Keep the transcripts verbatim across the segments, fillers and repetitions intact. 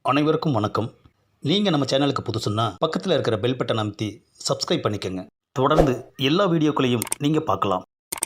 அனைவருக்கும் வணக்கம். நீங்கள் நம்ம சேனலுக்கு புதுசுன்னா பக்கத்தில் இருக்கிற பெல் பட்டன் அமைத்தி சப்ஸ்கிரைப் பண்ணிக்கோங்க. தொடர்ந்து எல்லா வீடியோக்களையும் நீங்கள் பார்க்கலாம்.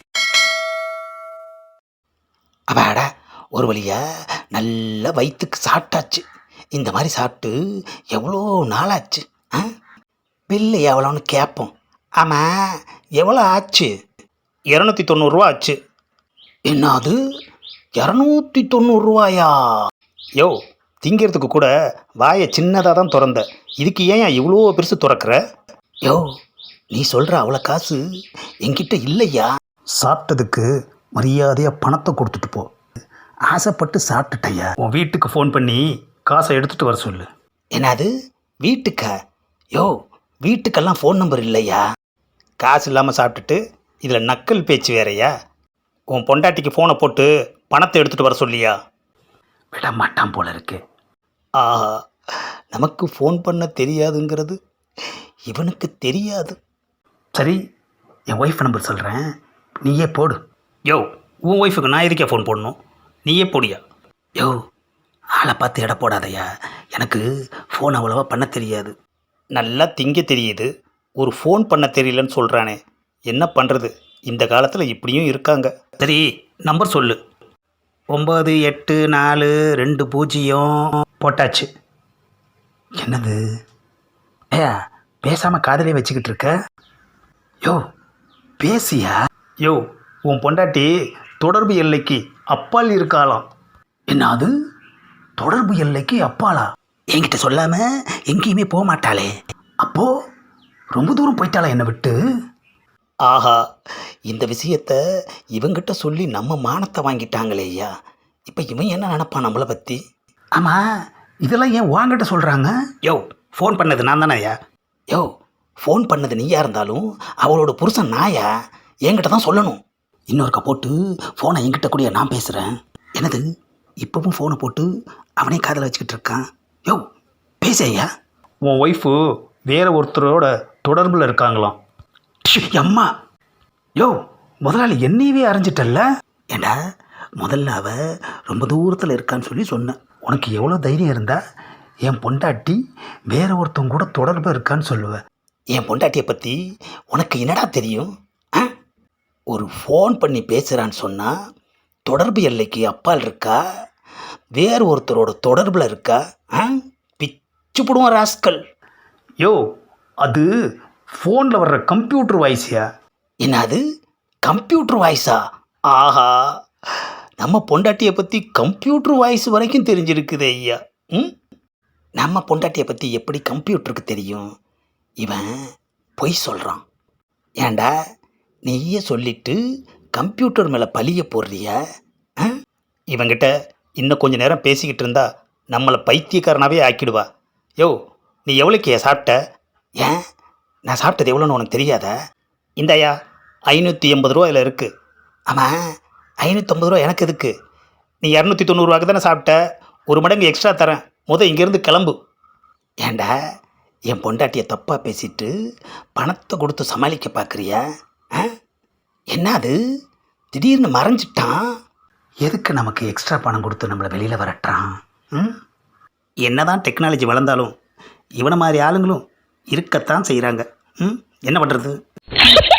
அப்பாடா, ஒரு வழியா நல்ல வயிற்றுக்கு சாப்பிட்டாச்சு. இந்த மாதிரி சாப்பிட்டு எவ்வளோ நாளாச்சு. ஆ பில்லு எவ்வளோன்னு கேட்போம். ஆமாம், எவ்வளோ ஆச்சு? இரநூத்தி தொண்ணூறுரூவா ஆச்சு. என்னது, இரநூத்தி தொண்ணூறுரூவாயா? யோ, திங்கிறதுக்கு கூட வாயை சின்னதாக தான் திறந்த, இதுக்கு ஏன் இவ்வளோ பெருசு திறக்கிற? யோ, நீ சொல்கிற அவ்வளோ காசு என்கிட்ட இல்லையா? சாப்பிட்டதுக்கு மரியாதையாக பணத்தை கொடுத்துட்டு போ. ஆசைப்பட்டு சாப்பிட்டுட்டையா? உன் வீட்டுக்கு ஃபோன் பண்ணி காசை எடுத்துகிட்டு வர சொல்லு. என்னது, வீட்டுக்கா? யோ, வீட்டுக்கெல்லாம் ஃபோன் நம்பர் இல்லையா? காசு இல்லாமல் சாப்பிட்டுட்டு இதில் நக்கல் பேச்சு வேறையா? உன் பொண்டாட்டிக்கு ஃபோனை போட்டு பணத்தை எடுத்துகிட்டு வர சொல்லியா? விட மாட்டான் போல இருக்கு. ஆஹா, நமக்கு ஃபோன் பண்ண தெரியாதுங்கிறது இவனுக்கு தெரியாது. சரி, என் ஒய்ஃப் நம்பர் சொல்கிறேன், நீயே போடு. யோ, உன் ஒய்ஃபுக்கு நான் எதுக்கே ஃபோன் போடணும்? நீயே போடியா. யோ, ஆளை பார்த்து எடை போடாதையா. எனக்கு ஃபோன் அவ்வளோவா பண்ண தெரியாது. நல்லா திங்க தெரியுது, ஒரு ஃபோன் பண்ண தெரியலன்னு சொல்கிறானே, என்ன பண்ணுறது? இந்த காலத்தில் இப்படியும் இருக்காங்க. சரி, நம்பர் சொல்லு. ஒம்பது எட்டு நாலு ரெண்டு பூஜ்ஜியம் போட்டாச்சு. என்னது, ஏ பேசாமல் காதலே வச்சுக்கிட்டு இருக்க? யோ, பேசியா? யோ, உன் பொண்டாட்டி தொடர்பு எல்லைக்கு அப்பால் இருக்காளாம். என்னது, தொடர்பு எல்லைக்கு அப்பாலா? என்கிட்ட சொல்லாமல் எங்கேயுமே போக மாட்டாளே. அப்போ ரொம்ப தூரம் போயிட்டாளா என்னை விட்டு? ஆஹா, இந்த விஷயத்த இவங்கிட்ட சொல்லி நம்ம மானத்தை வாங்கிட்டாங்களே ஐயா. இப்போ இவன் என்ன நினப்பான் நம்மளை பற்றி? ஆமாம், இதெல்லாம் ஏன் வாங்கிட்ட சொல்கிறாங்க? யோ, ஃபோன் பண்ணது நான் தானே ஐயா. யோ, ஃபோன் பண்ணது நீயா இருந்தாலும் அவளோட புருஷன் நாயா, என்கிட்ட தான் சொல்லணும். இன்னொருக்கா போட்டு ஃபோனை என்கிட்ட கூடிய நான் பேசுகிறேன். என்னது, இப்போவும் ஃபோனை போட்டு அவனே காதில் வச்சுக்கிட்டு இருக்கான். யோ, பேச ஐயா. உன் ஒய்ஃபு வேற ஒருத்தரோட தொடர்பில் இருக்காங்களாம். அம்மா, யோ, முதலாளி என்னையவே அரைஞ்சிட்டல்ல. ஏண்டா, முதல்ல அவ ரொம்ப தூரத்தில் இருக்கான்னு சொல்லி சொன்னேன். உனக்கு எவ்வளோ தைரியம் இருந்தா என் பொண்டாட்டி வேற ஒருத்தவங்க கூட தொடர்பு இருக்கான்னு சொல்லுவேன். என் பொண்டாட்டியை பற்றி உனக்கு என்னடா தெரியும்? ஆ ஒரு ஃபோன் பண்ணி பேசுகிறான்னு சொன்னால் தொடர்பு எல்லைக்கு அப்பால் இருக்கா, வேறு ஒருத்தரோட தொடர்பில் இருக்கா? ஆ பிச்சு போடுவோம் ராஸ்கல். யோ, அது ஃபோனில் வர்ற கம்ப்யூட்டர் வாய்ஸியா? என்னது, கம்ப்யூட்டர் வாய்ஸா? ஆஹா, நம்ம பொண்டாட்டியை பற்றி கம்ப்யூட்டர் வாய்ஸ் வரைக்கும் தெரிஞ்சிருக்குது ஐயா. ம் நம்ம பொண்டாட்டியை பற்றி எப்படி கம்ப்யூட்டருக்கு தெரியும்? இவன் பொய் சொல்கிறான். ஏண்டா, நீயே சொல்லிட்டு கம்ப்யூட்டர் மேலே பழிய போடுறியா? இவங்கிட்ட இன்னும் கொஞ்சம் நேரம் பேசிக்கிட்டு இருந்தா நம்மளை பைத்தியக்காரனாகவே ஆக்கிடுவா. யோ, நீ எவ்வளோக்கியா சாப்பிட்ட? ஏன், நான் சாப்பிட்டது எவ்வளோன்னு உனக்கு தெரியாதா? இந்தாயா, ஐநூற்றி எண்பது ரூபா இதில் இருக்குது. ஆமாம், ஐநூற்றம்பது ரூபா எனக்கு எதுக்கு? நீ இரநூத்தி தொண்ணூறுவாக்கு தானே சாப்பிட்ட, ஒரு மடங்கு எக்ஸ்ட்ரா தரேன், முத இங்கேருந்து கிளம்பு. ஏண்டா, என் பொண்டாட்டியை தப்பாக பேசிட்டு பணத்தை கொடுத்து சமாளிக்க பார்க்குறியா? ஆ என்ன அது, திடீர்னு மறைஞ்சிட்டான். எதுக்கு நமக்கு எக்ஸ்ட்ரா பணம் கொடுத்து நம்மளை வெளியில் வரட்டுறான்? ம் என்ன தான் டெக்னாலஜி வளர்ந்தாலும் இவனை மாதிரி ஆளுங்களும் இருக்கத்தான் செய்கிறாங்க. ம் என்ன பண்ணுறது?